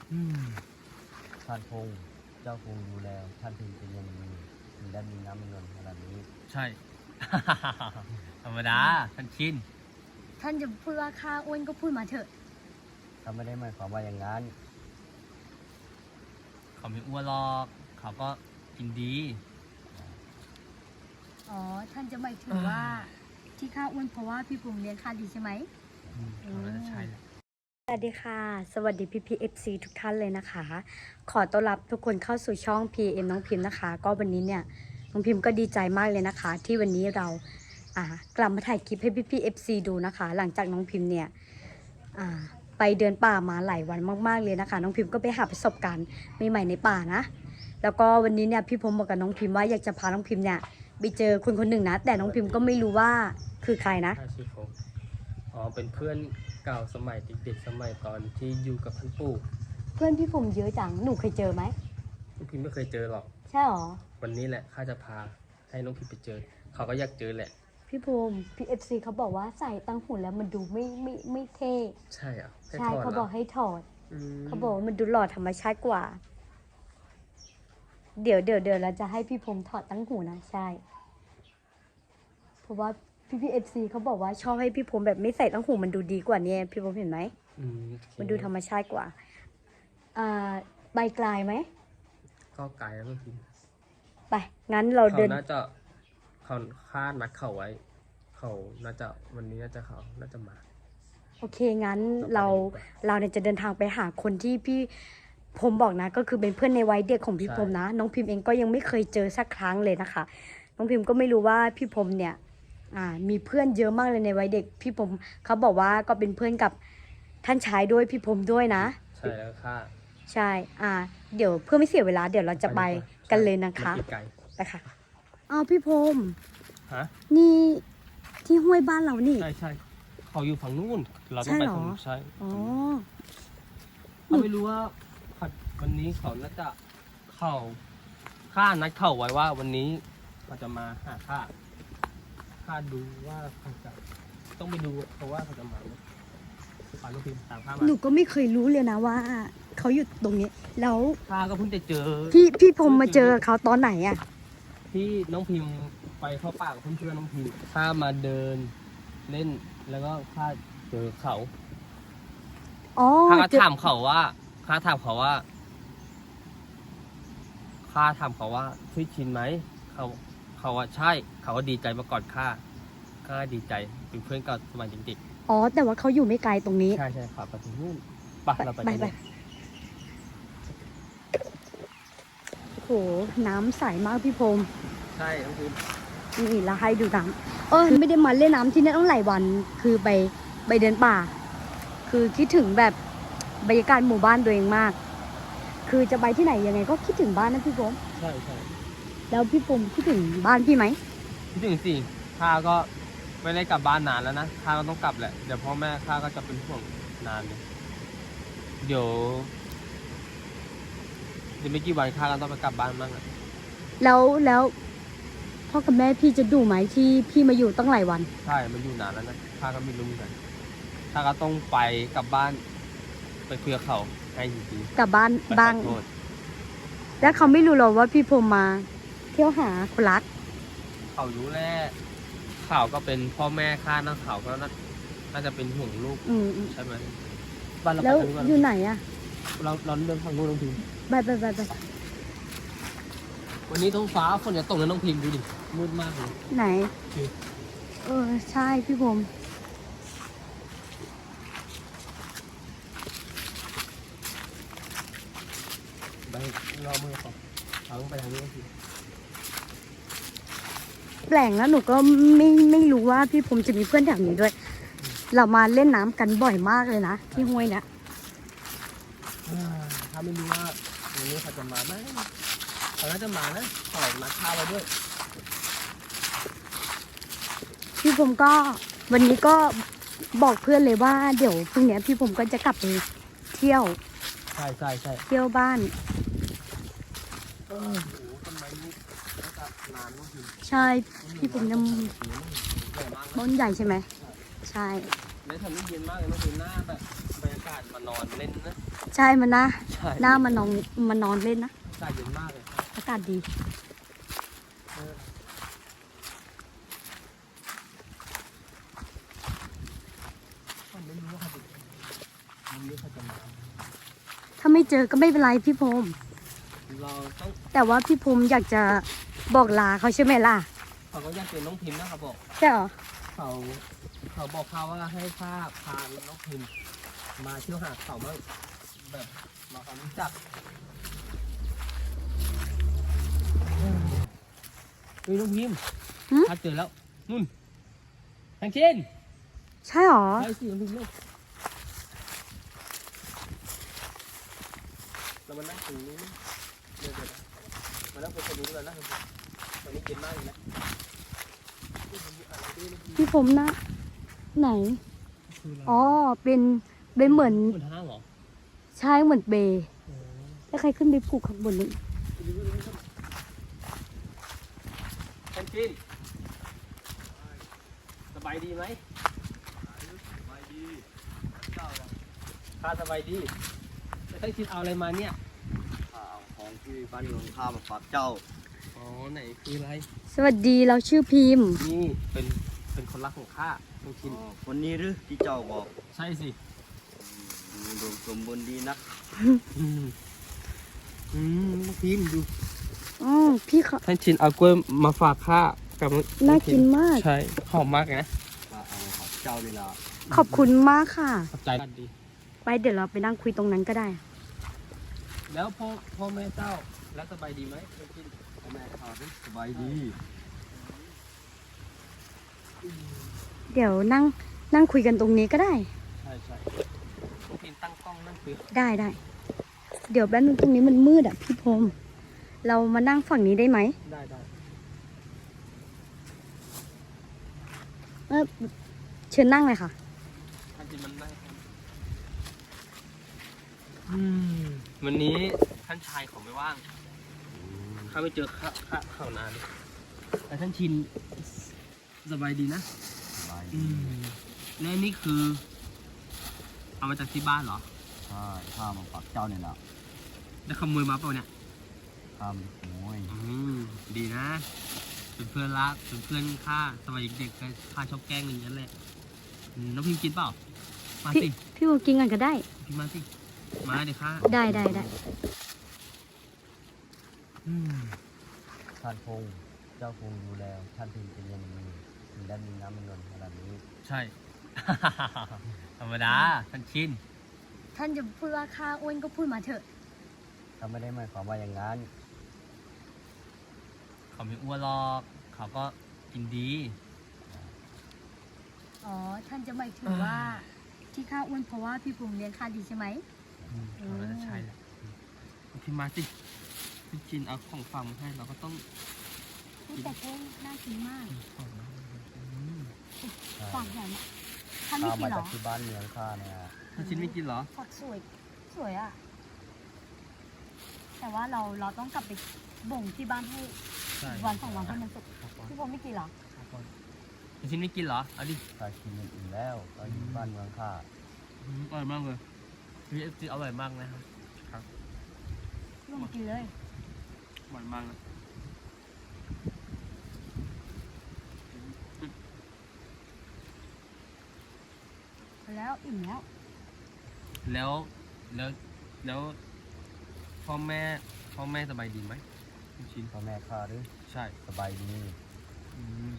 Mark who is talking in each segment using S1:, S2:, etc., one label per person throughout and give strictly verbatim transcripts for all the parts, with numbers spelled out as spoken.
S1: อืมท่านคงเจ้าคงดูแลท่านถึงเป็นอย่างดีถึงได้มีน้ำมีนวลขนาดนี้
S2: ใช่ ธรรมดาท่านชิน
S3: ท่านจะพูดว่าข้าอ้วนก็พูดมาเถอะ
S1: เขาไม่ได้หมายความว่าอย่างนั้น
S2: เขาไม่อ้วนหรอกเขาก็กินดี
S3: อ๋อท่านจะหมายถึงว่าที่ข้าอ้วนเพราะว่าพี่ภูมิเลี้ยงข้าดีใช่ไหม
S2: อืมน่าจะใช่แหละ
S3: สวัสดีค่ะสวัสดีพี่พีเอฟซีทุกท่านเลยนะคะ ขอต้อนรับทุกคนเข้าสู่ช่อง พี เอ็ม น้องพิมพ์นะคะ ก็วันนี้เนี่ยน้องพิมพ์ก็ดีใจมากเลยนะคะ ที่วันนี้เราอ่ากลับมาถ่ายคลิปให้พี่พีเอฟซีดูนะคะ หลังจากน้องพิมพ์เนี่ยอ่าไปเดินป่ามาหลายวันมากๆเลยนะคะ น้องพิมพ์ก็ไปหาประสบการณ์ใหม่ๆในป่านะแล้วก็วันนี้เนี่ยพี่ผมบอกกับน้องพิมพ์ว่าอยากจะพาน้องพิมพ์เนี่ยไปเจอคนคนหนึ่งนะแต่น้องพิมพ์ก็ไม่รู้ว่าคือใครนะ
S4: ชื่อผมอ๋อเป็นเพื่อนเก่าสมัยเด็กๆสมัยตอนที่อยู่กับท่านปู่
S3: เพื่อนพี่ผมเยอะจังหนูเคยเจอไหม
S4: น้องพิมไม่เคยเจอหรอก
S3: ใช่หรอ
S4: วันนี้แหละข้าจะพาให้น้องพิมไปเจอเขาก็อยากเจอแหละ
S3: พี่ภูมิพี่เอฟซีเขาบอกว่าใส่ตั้งหุ่นแล้วมันดูไม่ไม่ไม่เท่
S4: ใช่อ่ะ
S3: ใช่เขาบอกให้ถอด
S4: ม
S3: เขาบอกว่ามันดูหล่อธรรมชาติกว่า เดี๋ยวเดี๋ยวเดี๋ยวเราจะให้พี่ภูมิถอดตั้งหูนะใช่เพราะว่าพี่พี่เอฟซีเขาบอกว่าชอบให้พี่ภูมิแบบไม่ใส่ตั้งหูมันดูดีกว่าเนี่ยพี่ภูมิเห็นไหมมันดูธรรมชาติกว่าอ่าใบกลายไหม
S4: ก็ไกลแล้วน้องพิม
S3: ไปงั้นเราเดิน
S4: เขาน่าจะเขาคาดนัดเขาไว้ เขาน่าจะวันนี้น่าจะเขาน่าจะมา
S3: โอเคงั้นเราเราเนี่ยจะเดินทางไปหาคนที่พี่พรมบอกนะก็คือเป็นเพื่อนในวัยเด็กของพี่พรมนะน้องพิมพ์เองก็ยังไม่เคยเจอสักครั้งเลยนะคะน้องพิมพ์ก็ไม่รู้ว่าพี่พรมเนี่ยอ่ามีเพื่อนเยอะมากเลยในวัยเด็กพี่พรมเขาบอกว่าก็เป็นเพื่อนกับท่านชายด้วยพี่พรมด้วยนะ
S4: ใช่แล้วค่ะ
S3: ใช่อ่าเดี๋ยวเพื่อไม่เสียเวลาเดี๋ยวเราจะไปกันเลยนะคะไปค่ะอ้าวพี่พรม
S4: ฮะ
S3: นี่ที่ห้วยบ้านเรานี่
S4: ใช่ใช่เขาอยู่ฝั่งนู้นเราต้องไปฝั่งนู้นใช่
S3: อ๋อ
S4: เขาไม่รู้ว่าวันนี้เขาน่าจะเขาข้านัดเขาไว้ว่าวันนี้เราจะมาหาข้าข้าดูว่าเขาจะต้องไปดูเพราะว่าเขาจะมาไหมปาลูกพิมตามข้ามา
S3: หนูก็ไม่เคยรู้เลยนะว่าเขาอยู่ตรงนี้แล้ว
S4: ข้าก็เพิ่งจะเจอ
S3: พี่พี่พรมมาเจอเขาตอนไหนอ่ะ
S4: ที่น้องพิมไปเข้าป่ากับเพื่อนน้องพิมข้ามาเดินเล่นแล้วก็ข้าเจอเขา
S3: อ๋อ
S4: ข้าก็ถามเขาว่าข้าถามเขาว่าข้าถามเขาว่าชื่อชินไหมเขาเขาว่าใช่เขาก็ดีใจมาก่อนข้าข้าดีใจเป็นเพื่อนกับสมัยเด็ก
S3: อ๋อแต่ว่าเขาอยู่ไม่ไกลตรงนี้
S4: ใช่ใช่ขับไปถึงนู่นไปเราไปไป
S3: โหน้ำใสมากพี่พรม
S4: ใช่น้องพิม
S3: นี่เราให้ดูน้ำเออไม่ได้มาเล่นน้ำที่นี่ต้องหลายวันคือไปไปเดินป่า คือคิดถึงแบบบรรยากาศหมู่บ้านตัวเองมากคือจะไปที่ไหนยังไงก็คิดถึงบ้านนะพี่พรม
S4: ใช่ใช่
S3: แล้วพี่พรมคิดถึงบ้านพี่ไหม
S4: คิดถึงสิข้าก็ไม่ได้กลับบ้านนานแล้วนะข้าก็ต้องกลับแหละเดี๋ยวพ่อแม่ข้าก็จะเป็นห่วงนานเลยเดี๋ยวเดี๋ยวไม่กี่วันข้าก็ต้องไปกลับบ้านบ้างอ่ะ
S3: แล้วแล้วพ่อกับแม่พี่จะดูไหมที่พี่มาอยู่ตั้งหลายวัน
S4: ใช่มันอยู่นานแล้วนะข้าก็ไม่รู้เหมือนกันข้าก็ต้องไปกลับบ้านไปคุยกับเขาให้จริง
S3: ๆกลับบ้านบ้างแล้วเขาไม่รู้หรอว่าพี่พรมมาเที่ยวหาคนรัก
S4: เขารู้แหละเขาก็เป็นพ่อแม่ข้านะเขาก็น่าจะเป็นห่วงลูกใช่ไหม
S3: บ้านเราแล้วอยู่ไหนอะ
S4: เราเราเดินทางนู้นน้องพิม
S3: ไปไปไปไป
S4: วันนี้ท้องฟ้าฝนจะตกแล้วน้องพิมดูดิมืดมากเลย
S3: ไหนเออใช่พี่พรม
S4: ไปรอมือก่อนเอาลงไปทางนี้สิ
S3: แปลกแล้วหนูก็ไม่ไม่รู้ว่าพี่พรมจะมีเพื่อนแถวนี้ด้วยเรามาเล่นน้ำกันบ่อยมากเลยนะที่ห้วยเนี่ย
S4: ถ้าไม่รู้ว่าวันนี้เขาจะมาไหมเขาน่าจะมานะขอนัดข้าวไว้ด้วย
S3: พี่พรมก็วันนี้ก็บอกเพื่อนเลยว่าเดี๋ยวพรุ่งนี้พี่พรมก็จะกลับไปเที่ยว
S4: ใช่ใช่ใช่
S3: เที่ยวบ้าน
S4: โอ้โหต้นไม้นี้น่าจะนานมากจริง
S3: ใช่พี่พรมยังต้นใหญ่ใช่ไหมใช่
S4: แล้วทำให้เย็นมากเลยเมื่อคืนหน้าแบบบรรยากากาศมานอนเล่นนะ
S3: ใช่มันนะ
S4: ใช่
S3: หน้ามานอนมานอนเล่นนะ
S4: อากาศเย็นมากเลย
S3: อากาศดี
S4: ผมไม่รู้ว่าเขาจะมันนี้เขาจะมา
S3: ถ้าไม่เจอก็ไม่เป็นไรพี่พรหม
S4: เราต้อง
S3: แต่ว่าพี่พรหมอยากจะบอกลาเขาใช่ไหมล่ะ
S4: เขาก็อยากเป็นน้องพิมพ์นะครับบอก
S3: ใช่เหรอ
S4: เขาเขาบอกข้าว่าให้ข้าพาน้องพิมพ์มาเที่ยวหาเขาบ้างแบบมาความรู้จักเฮ้ยน้องพิมพ์ข้าเจอแล้วนุ่นทางเช่น
S3: ใช่เหรอ
S4: ไปสิน้องพิมพ์ลูกเรามานั่งตรงนี้เดี๋ยวๆมานั่งตรงนี้เลยนะตอนนี้เย็นมากเลยนะ
S3: พี่พรหมนะ ไหน อ๋อ เป็นเป็นเหมือน
S4: เหมือนห้างเหรอ
S3: ใช่เหมือนเบย์แล้วใครขึ้นไปผูกข้างบนนี้
S4: แคนจินสบายดีไหมสบายดีข้าสบายดีแล้วแคนจินเอาอะไรมาเนี่ย
S1: ข้าเอาของที่บ้านเมืองข้ามาฝากเจ้า
S4: อ๋อไหนคืออะไร
S3: สวัสดีเราชื่อพิมพ์
S4: นี่เป็นเป็นคนรักของข้าแคนจิน
S1: วันนี้หรือที่เจ้าบอก
S4: ใช่สิ
S1: ดูดมสมบูรณ์ดีนัก
S4: อืมอืมน้องพิมพ์ดู
S3: อ๋อพี่เขา
S4: แคนจินเอากล้วยมาฝากข้ากับ
S3: น่ากินมาก
S4: ใช่หอมมากนะ
S1: ข้าเอามาฝากเจ้านี่ละ
S3: ขอบคุณมากค่ะ
S4: ขอบใจดี
S3: ไปเดี๋ยวเราไปนั่งคุยตรงนั้นก็ได้
S4: แล้วพ่อพ่อแม่เจ้าแล้วสบายดีไหมแคนจิน
S1: พ่อแม่ข้าด้วยสบายดี
S3: เดี๋ยวนั่งนั่งคุยกันตรงนี้ก็ได้
S4: ใช่ใช่น้องพิมตั้งกล้องนั่งคุย
S3: ได้ได้ เดี๋ยวแป๊บนึงตรงนี้มันมืดอ่ะพี่พรหมเรามานั่งฝั่งนี้ได้ไหม
S4: ได้ได้
S3: เออเชิญนั่งเลยค่ะ
S4: ท่านจิมันนั่งครับอืมวันนี้ท่านชายเขาไม่ว่างข้าไม่เจอข้าข้าเขานานแต่ท่านชินสบายดีนะ
S1: สบาย
S4: อื
S1: ดี
S4: มและนี่คือ เอามาจากที่บ้านเหรอ
S1: ใช่ข้ามาฝากเจ้านี่ละ
S4: ได้ขโมยมาเปล่าเนี่ย
S1: ข้าไม่ได้ขโมย
S4: อืมดีนะ เป็นเพื่อนรักเป็นเพื่อนข้าสมัยเด็กๆก็ข้าชอบแกล้งอย่างนั้นแหละอืมน้องพิมกินเปล่า มา
S3: พี่
S4: สิ
S3: พี่พรหมกินกันก็ได้
S4: พิมมาสิมาเดี๋ยวข้า
S3: ได้ได้ได้
S4: อืม
S1: ท่านคงเจ้าคงดูแลท่านถึงจะยังมีถึงได้มีน้ำมีนวลขนาดนี้
S4: ใช่ ธรรมดาท่านชิน
S3: ท่านจะพูดว่าข้าอ้วนก็พูดมาเถอะ
S1: ข้าไม่ได้หมายความว่าอย่างนั้น
S4: เขาไม่อ้วนหรอกเขาก็กินดี
S3: อ๋อ ท่านจะหมายถึงว่า ที่ข้าอ้วนเพราะว่าพี่พรหมเลี้ยงข้าดีใช่ไหม
S4: เขาก็จะใช่แหละพี่มาสิพี่ชินเอาของฝากมาให้เราก็ต้อง
S3: พูดแต่เพ่งน่ากินมาก
S4: ของนะอืม
S3: ฝากแหนมท่านไม่
S1: ข้า
S3: กิ
S1: มาน
S3: เหร
S1: จาก
S3: อ
S1: ที่บ้านเมืองข้าเนี่ย
S4: พี่ชินไม่กินเหรอ
S3: ฝักสวย สวยอ่ะ แต่ว่าเราเราต้องกลับไปบ่งที่บ้านให้
S4: ใช่
S3: วันสองวันให้มันสุก
S4: ครับผม
S3: พี่พรหมไม่กินเหรอ
S4: ครับผมพี่ชินไม่กินเหรอ เอาดิ
S1: ข้ากินอย่างอื่นแล้วก็อยู่บ้านเมืองข้า
S4: อืมอร่อยมากเลยพี่เอฟซีอร่อยมากนะครับครับ
S3: พี่พรหมกินเลย
S4: อร่อยมากเลย
S3: แล้วอิ่มแล้ว
S4: แล้วแล้วแล้วพ่อแม่พ่อแม่สบายดีไหมพี่ชิน
S1: พ่อแม่ข้าหรือ
S4: ใช่
S1: สบายดี
S4: อืม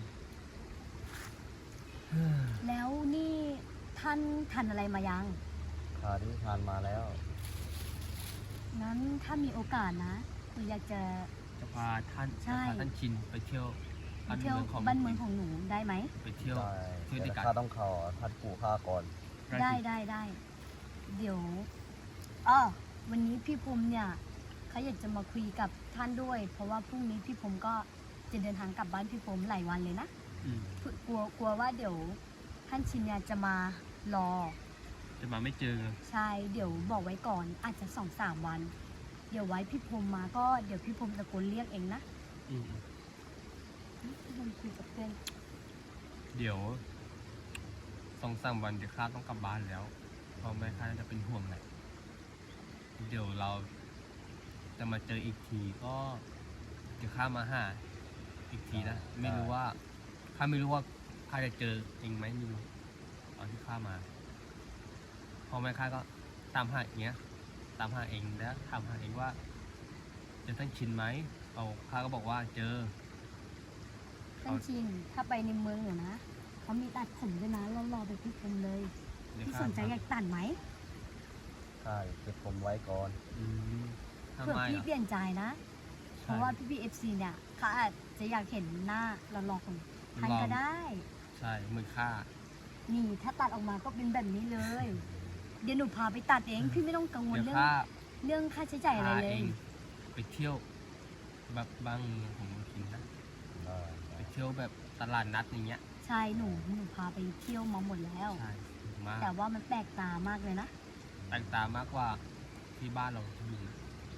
S3: แล้วนี่ท่านทานอะไรมายัง
S1: ข้าได้ทานมาแล้ว
S3: งั้นถ้ามีโอกาสนะคุณอยากจะ
S4: จะพาท่าน
S3: ใช่
S4: จะพาท่านชินไปเที่ยว
S3: ไปเที่ยวบ้านเมืองของหนูได้ไหม
S4: ไปเที่ยว
S1: ได้
S4: เที่ยวด้วยกัน
S1: แต่ข้าต้องเข้าท่านปู่ข้าก่อน
S3: ได้ได้ได้เดี๋ยวอ๋อวันนี้พี่ภูมิเนี่ยเขาอยากจะมาคุยกับท่านด้วย เพราะว่าพรุ่งนี้พี่ภูมิก็จะเดินทางกลับบ้านพี่ภูมิหลายวันเลยนะ
S4: อืม
S3: กลัวกลัวว่าเดี๋ยวท่านชินเนี่ยจะมารอ
S4: จะมาไม่เจอ
S3: ใช่เดี๋ยวบอกไว้ก่อนอาจจะสองสามวัน เดี๋ยวไว้พี่ภูมิมาก็เดี๋ยวพี่ภูมิตะโกนเรียกเองนะ
S4: อืม
S3: พี่ภูมิคุยกับเพื่อน
S4: เดี๋ยวสองสามวันเดี๋ยวข้าต้องกลับบ้านแล้ว
S2: พ่อแม่ข้าจะเป็นห่วงแหละเดี๋ยวเราจะมาเจออีกทีก็เดี๋ยวข้ามาหาอีกทีนะไม่รู้ว่าข้าไม่รู้ว่าข้าจะเจอจริงไหมไม่รู้ตอนที่ข้ามาพ่อแม่ข้าก็ตามหาอย่างเงี้ยตามหาเองแล้วถามหาเองว่าเจอท่านชินไหมเอาข้าก็บอกว่าเจอ
S3: ท่านชินถ้าไปในเมืองเหรอนะเขามีตัดผมด้วยนะรอๆไปพี่ผมเลย
S2: เดี๋ยว
S3: พี่
S2: ข้า
S3: สนใจอยากตัดไหม
S1: ใช่เก็บผมไว้ก่อน
S2: อืมทำ
S3: เผื่อ
S2: ไม
S3: พี่
S2: อ่ะ
S3: เปลี่ยนใจนะ เพ
S2: ใช่
S3: ราะว่าพี่พีเอฟซีเนี่ยเขาอาจจะอยากเห็นหน้าเราลองของท่าน
S2: ลอง
S3: ก็ได้
S2: ใช่มือข้า
S3: นี่ถ้าตัดออกมาก็เป็นแบบนี้เลย เดี๋ยวหนูพาไปตัดเองพี่ไม่ต้องกังวล
S2: เดี๋ยว
S3: เรื่อง
S2: ข้า
S3: เรื่องค่าใช้จ่ายอะไร
S2: พา
S3: เล
S2: เอย งไปเที่ยวแบบบางเมืองของเมืองกินนะ
S1: ได้
S2: ไปเที่ยวแบบตลาดนัดอย่างเงี้ย
S3: ใช่หนูหนูพาไปเที่ยวมาหมดแล้ว
S2: ใช่ถูกมาก
S3: แต่ว่ามันแปลกตามากเลยนะ
S2: แตกต่างมากกว่าที่บ้านเราที่มี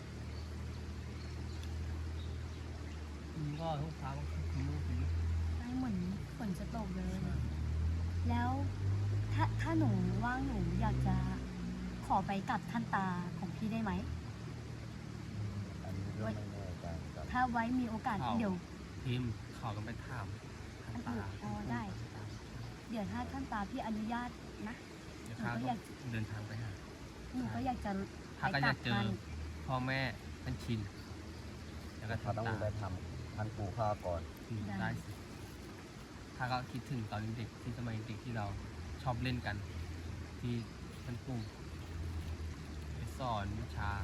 S2: อืมก็ทุกครั้งคือคุ้มคุ้ม
S3: ได้เหมือนฝนจะตกเลย แล้วถ้าถ้าหนูว่างหนูอยากจะขอไปกับท่านตาของพี่ได้ไหม
S1: อันนี้ก็ไม่แน่ใจครับ
S3: ถ้าไว้มีโอกาสเดี๋ยว
S2: พิมพ์ขอกันไปถามท่านตา
S3: อ๋อได้ เดี๋ยวถ้าท่านตาพี่อนุญาตนะ
S2: เดี๋ยวข้า
S3: หนูก็
S2: ก็
S3: อยาก
S2: เดินทางไปหา
S3: หนูก็อยากจะ
S2: ข้า
S3: ไป
S2: ก็อ
S3: กั
S2: ยา
S3: บ
S2: กเจอ
S3: ท่าน
S2: พ่อแม่ท่านชินแล้วก็
S1: เขา
S2: ท่าน
S1: ต้อง
S2: ตา
S1: ไปทำทันปู่ข้าก่อน
S2: อืมได้สิข้าก็คิดถึงตอนเด็กที่สมัยเด็กที่เราชอบเล่นกัน ที่ท่านปู่ไปสอนวิชา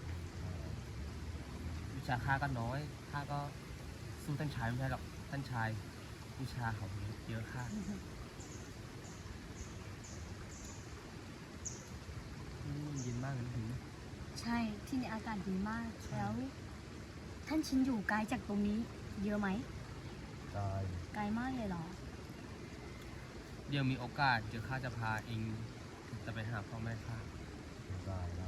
S2: วิชาข้าก็น้อยข้าก็สู้ท่านชายไม่ได้หรอกท่านชายวิชาเขาเยอะข้าอืมเย็นมากเลยนะถึง
S3: ใช่ที่นี่อากาศดีมาก แล้ว ท่านชินอยู่ไกลจากตรงนี้ เยอะไหม
S1: ได้
S3: ไกลมากเลยเหรอ
S2: เดี๋ยวมีโอกาสเดี๋ยวข้าจะพาเองจะไปหาพ่อแม่ข้า
S1: ได้ได้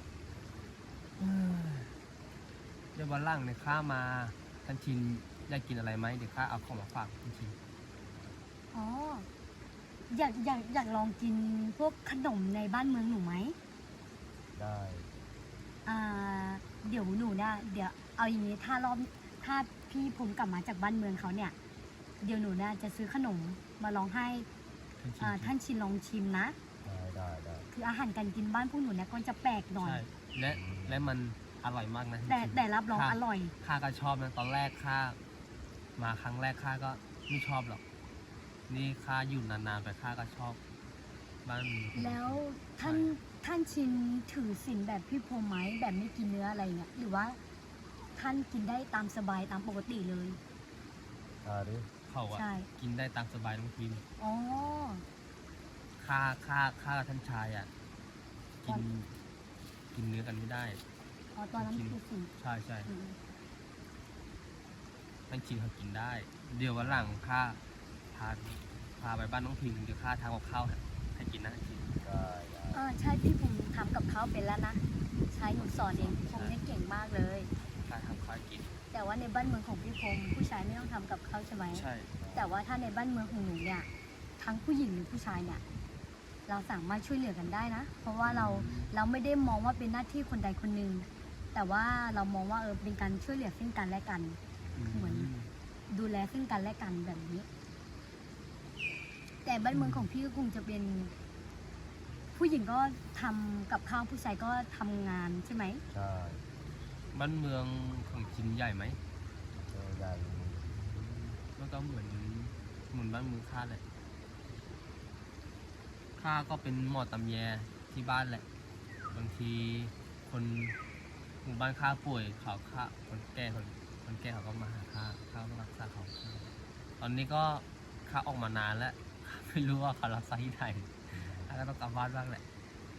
S2: เดี๋ยววันหลังเนี่ยข้ามาท่านชินอยากกินอะไรไหมเดี๋ยวข้าเอาของมาฝากท่านชิน
S3: อ๋อ อยากอยากอยากลองกินพวกขนมในบ้านเมืองหนูไหม
S1: ได้
S3: อ่า เดี๋ยวหนูเนี่ยเดี๋ยวเอาอย่างนี้ถ้ารอบถ้าพี่ผมกลับมาจากบ้านเมืองเขาเนี่ย เดี๋ยวหนูเนี่ยจะซื้อขนมมาลองให้
S2: ท่านชิน
S3: อ่าท่านชินลองชิมนะ
S1: ได้ได้ได้
S3: คืออาหารการกินบ้านพวกหนูเนี่ยก็จะแปลกหน่อย
S2: ใช่และและมันอร่อยมากนะท่าน
S3: แต่
S2: ชิน
S3: แต่รับรอง
S2: ค่ะ
S3: อร่อย
S2: ข้าก็ชอบนะตอนแรกข้ามาครั้งแรกข้าก็ไม่ชอบหรอก นี่ข้าอยู่นานๆไปข้าก็ชอบบ้านเมืองของ
S3: แล้วท่านท่านชินถือศีลแบบพี่พรหมไหมแบบไม่กินเนื้ออะไรเนี่ยหรือว่าท่านกินได้ตามสบายตามปกติเลย
S1: ได้หรือ
S2: เขาอะ
S3: ใช่
S2: กินได้ตามสบายน้องพิม
S3: อ๋อ
S2: ข้าข้าข้ากับท่านชายอะกินกินเนื้อกันไม่ได้
S3: อ๋อตอนนั้นคือศีล
S2: ใช่ใช่
S3: อืม
S2: ท่านชินเขากินได้ เดี๋ยววันหลังข้าพาพาไปบ้านน้องพิมเดี๋ยวข้าทำกับข้าวให้กินนะท่านชิน
S1: ได้ได้
S3: อ่าใช่พี่ผมทำกับข้าวเป็นแล้วนะใช้หนูสอนเองพี่ผมเนี่ยเก่งมากเลย
S2: ข้าทำข้าวให้กิน
S3: แต่ว่าในบ้านเมืองของพี่พงศ์ผู้ชายไม่ต้องทำกับข้าวใช่ไหม
S2: ใช่
S3: แต่ว่าถ้าในบ้านเมืองของหนูเนี่ยทั้งผู้หญิงหรือผู้ชายเนี่ยเราสามารถช่วยเหลือกันได้นะ เพราะว่าเราเราไม่ได้มองว่าเป็นหน้าที่คนใดคนหนึ่งแต่ว่าเรามองว่าเออเป็นการช่วยเหลือซึ่งกันและกัน เหมือน ดูแลซึ่งกันและกันแบบนี้ แต่บ้านเมืองของพี่ก็คงจะเป็น ผู้หญิงก็ทำกับข้าวผู้ชายก็ทำงานใช่ไหม
S1: ใช่
S2: บ้านเมืองของชินใหญ่ไหม
S1: เจอใหญ่อยู่
S2: มันก็เหมือนเหมือนบ้านเมืองข้าแหละข้าก็เป็นหมอตำแยที่บ้านแหละ บางทีคนหมู่บ้านข้าป่วยเขาข้าคนแก่คนคนแก่เขาก็มาหาข้าข้าก็รักษาเขาตอนนี้ก็ข้าออกมานานแล้วข้าไม่รู้ว่าเขารักษาที่ไหนข้าก็ต้องกลับบ้านบ้างแหละ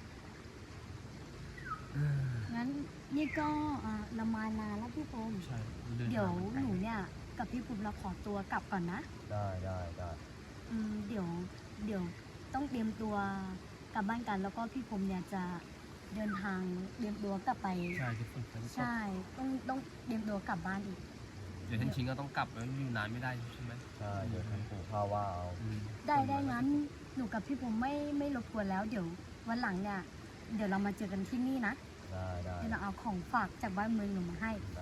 S3: งั้นนี่ก็อ่าละมานานแล้วพี่โฟม
S2: ใช่น
S3: เดี๋ยว
S2: ทางมาไกล
S3: หนูเนี่ยกับพี่ปุ๊บเราขอตัวกลับก่อนนะ
S1: ได้ได้ได้
S3: อืมเดี๋ยวเดี๋ยวต้องเตรียมตัวกลับบ้านกัน แล้วก็พี่ผมเนี่ยจะเดินทางเตรียมตัวกลับไป
S2: ใช่ที่ฝนจะตก
S3: ใช่ต้องต้องเตรียมตัวกลับบ้านอีก
S2: เดี๋ยวท่านชิงก็ต้องกลับแล้วอยู่นานไม่ได้ใช่ไหม
S1: ใช่เดี๋ยวทันปู่ข้าว่าเอา
S2: อืม
S3: ได้ได้งั้นหนูกับพี่ผมไม่ไม่รบกวนแล้ว เดี๋ยววันหลังเนี่ยเดี๋ยวเรามาเจอกันที่นี่นะ
S1: ได้ได้
S3: เดี๋ยวเราเอาของฝากจากบ้านเมืองหนูมาให้
S1: ได้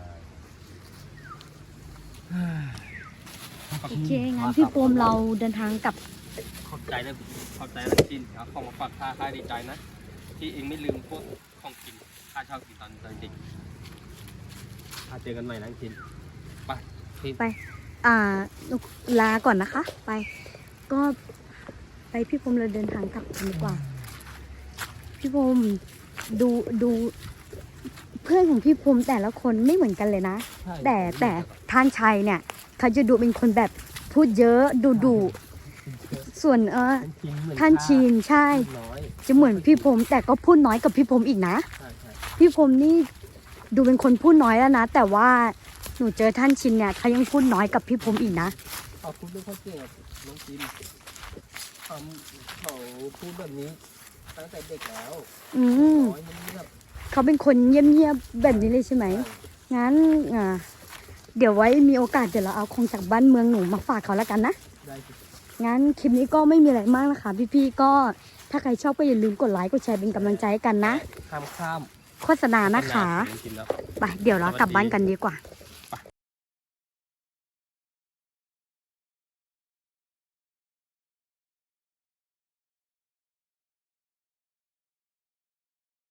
S3: โอเคงั้นพี่โปมเราเดินทางกลับ
S4: ขอบใจนะขอบใจนะจินเอาของมาฝากข้าข้าดีใจนะ ที่เองไม่ลืมพวกของกินข้าชอบกินตอนตอนเด็กข้าเจอกันใหม่นะจินไปที่
S3: ไป อ่าลาก่อนนะคะ ไป ก็ไปพี่พรมเราเดินทางกลับกันดีกว่า พี่พรมดูดูเพื่อนของพี่พรมแต่ละคนไม่เหมือนกันเลยนะ
S4: ใช่
S3: แต่แต่ท่านชัยเนี่ยเขาจะดูเป็นคนแบบพูดเยอะดูดุส่วนเออ
S4: ท่านชินเหมือน
S3: ท่านชินใช่
S4: ข้าน้อย
S3: จะเหมือนพี่พรมแต่ก็พูดน้อยกับพี่พรมอีกนะ
S4: ใช่ใช่
S3: พี่พรมนี่ดูเป็นคนพูดน้อยแล้วนะ แต่ว่าหนูเจอท่านชินเนี่ยเขายังพูดน้อยกับพี่พรมอีกนะ
S4: เขาพูดไม่ค่อยเก่งกับน้องจินเขาเขาพูดแบบนี้ตั้งแต่เด็กแล้ว
S3: อืม
S4: น้อยมันแบบ
S3: เขาเป็นคนเงียบๆแบบนี้เลยใช่ไหม งั้นอ่าเดี๋ยวไว้มีโอกาสเดี๋ยวเราเอาของจากบ้านเมืองหนูมาฝากเขาแล้วกันนะ
S4: ได้สิ
S3: งั้นคลิปนี้ก็ไม่มีอะไรมากนะคะ พี่ๆก็ถ้าใครชอบก็อย่าลืมกดไลค์กดแชร์เป็นกำลังใจให้กันนะ
S4: ข้ามข้าม
S3: โฆษณานะคะ
S4: จริงๆแล้ว
S3: ไปเดี๋ยวเรากลับบ้านกันดีกว่า
S4: ส